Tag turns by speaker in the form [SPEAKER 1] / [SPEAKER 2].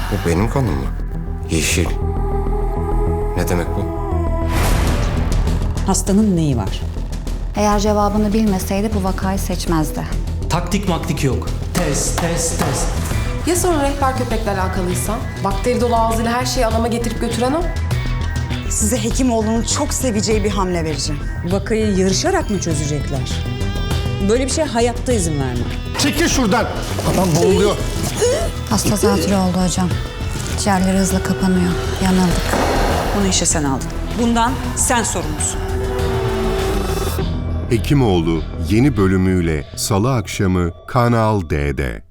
[SPEAKER 1] Bu benim kanım mı? Yeşil. Ne demek bu?
[SPEAKER 2] Hastanın neyi var?
[SPEAKER 3] Eğer cevabını bilmeseydi bu vakayı seçmezdi.
[SPEAKER 4] Taktik maktik yok. Test.
[SPEAKER 5] Ya sonra rehber köpekle alakalıysa? Bakteri dolu ağzıyla her şeyi adama getirip götüren o.
[SPEAKER 6] Size Hekimoğlu'nun çok seveceği bir hamle vereceğim.
[SPEAKER 2] Vakayı yarışarak mı çözecekler? Böyle bir şey hayatta izin vermem.
[SPEAKER 7] Çekil şuradan. Adam boğuluyor.
[SPEAKER 3] Hasta zatürre oldu hocam. Ciğerleri hızla kapanıyor. Yanıldık.
[SPEAKER 2] Bunu işe sen aldın. Bundan sen sorumlusun.
[SPEAKER 8] Hekimoğlu yeni bölümüyle Salı akşamı Kanal D'de.